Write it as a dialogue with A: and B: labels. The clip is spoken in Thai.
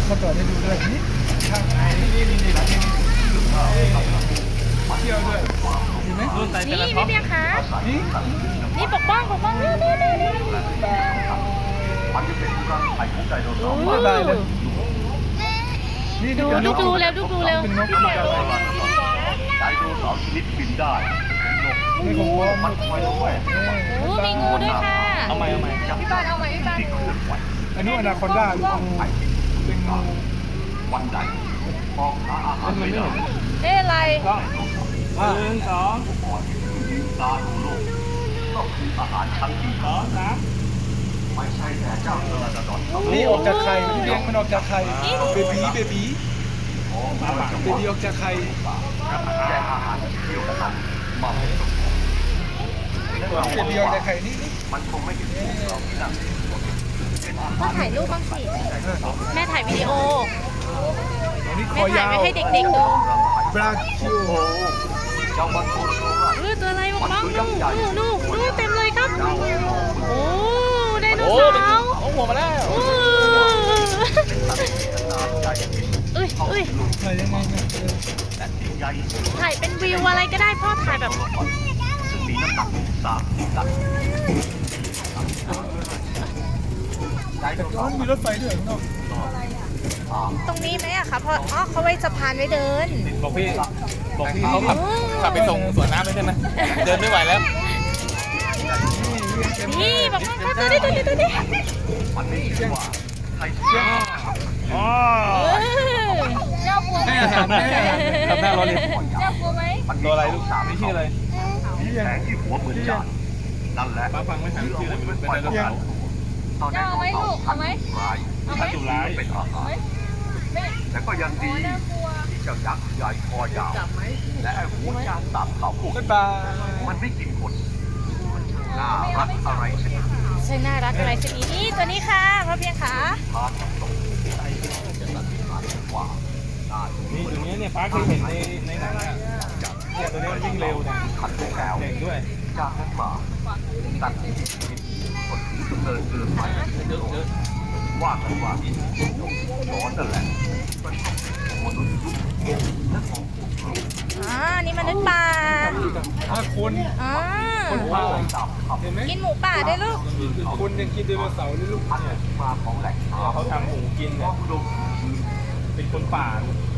A: มาต่อให้ดูด้วยนี่ข้างในนี่ร้านนี้เที่ยวด้วยเห็นไหม
B: นี่พี่เบียร์คะ
A: นี่
B: นี่ปกป้องนี่นี่
C: มันจะเป็นรังไข่ของไดโนเสาร์
A: ไม่ได้เลยนี่
B: ดูเร็ว
A: เป็นนกอะไร
C: ไดโนเสาร์ชนิดบินได้นก
A: นี่ของพ่อ
C: มันคอยด้วย
B: โอ้มีงูด้วยค่ะ
C: เอาใหม่พี่ตาเอาใหม่พี่ตาที่เคลื่อนไหว
A: อันนี้อนาคอนด้าลูกงูเป็นงู
C: วันใดมองหาอาหารไม่ได้
B: อะไร
A: 1 2
C: ก่อนที่จะลืมตาดูโลกก็คืออาหารชั้นดีไม่ใช่แต่เจ้าเทอร์นาดอนเท่า
A: นี่ออกจากไข่พี่เลี้ยงมันออกจากไข่เบบีเบบี
C: ของมา
A: เบบีออกจากไข่
C: แย่งอาหารที่เดียวกันนั้นมาให้สม
A: เบบีออกจากไข่นี่
C: มันคงไม่เห็นเราที่นั่น
B: ก็ถ่ายรูปบ้างสิแม่ถ่ายวิดีโอ
A: อันนี้ค
B: แม่
A: อ
B: ถ่าย
A: ยาว
B: ไว้ให้เด็กๆดู
A: บราคิว
C: โอ้เจ้ามันโคโรโนะ
B: ตัวอะไรบ้างดูเต็มเลยครับโอ้ไดโนเสาร์
D: เอาหัวมาแล้ว
B: เอ้ย
A: ถ่ายยังไงเนี่ย
C: และสิ่งใหญ่
B: ถ่ายเป็นวิวอะไรก็ได้พ่อถ่ายแบบ
C: ซึ่งมีน้ำหนัก30 ตัน
A: แต่ก็มีรถไฟด้วยข้างนอก
B: ตรงนี้ไหมอะคะเพราะเขาไว้สะพานไว้เดิน
D: บอกพี่เขาขับไปส่งสวนน้ำได้ใช่ไหมเดินไม่ไหวแล้ว
B: นี่บอกพ่อตัวนี้
C: มันไม่ใช่ว่าใคร
D: อ๋อ
B: เจ้ากลัวไหม
A: ให้อาหารแม่
D: ทำหน้ารอเลย
B: เจ้ากลัวไหม
C: มัน
D: ตัวอะไรลูกนี่ชื่ออะไร
C: มีแสงที่หัวเหมือนจานนั่นแหละ
D: ป้าฟังไม่ทันชื่ออะไรมันเป็นไดโนเสาร์
C: ตอนนี้เราพันร้ายที่ถูกเป็นอาหารแต่ก็ยังดีที่เจ้ายักษ์ใหญ่คอยาวและไอ้หัวจานตับเขาพวก
A: บ๊ายบาย
C: มันไม่กินคนมันน่ารักอะไรชนิด
B: ใช่น่ารักอะไรชนิดนี้ตัวนี้ค่ะพ่อเพียงขา
C: ทานตกใจจะตัดขาดกว่าได้
D: นี่ตัวนี้เนี่ยป้าเคยเห็นในหนังอ่ะเนี่ยตัวนี้มันวิ่งเร็วเนี่ย
C: ขันแล้ว
D: เก่งด้วย
C: จากนั้นมาตัดที่ชีวิตคนที่ดำเนินเกินไปว่ากันว่าร้อนนั่นแหละมันต้องมนุษย์ยุคและของพวกเรา
B: นี่มนุษย์ป่า
A: คน
C: คนพาไปตามคำ
A: เห็นไหม
B: กินหมูป่าได้ลูก
A: คนยังกินไดโนเสาร์นี่ลูก
C: อันที่มาของแหล่ง
D: เนี่ยเขาทำหมูกิน
C: เพ
D: เนี่ย
C: ราะอุดมสมบูรณ์
D: เป็นคนป่าลูก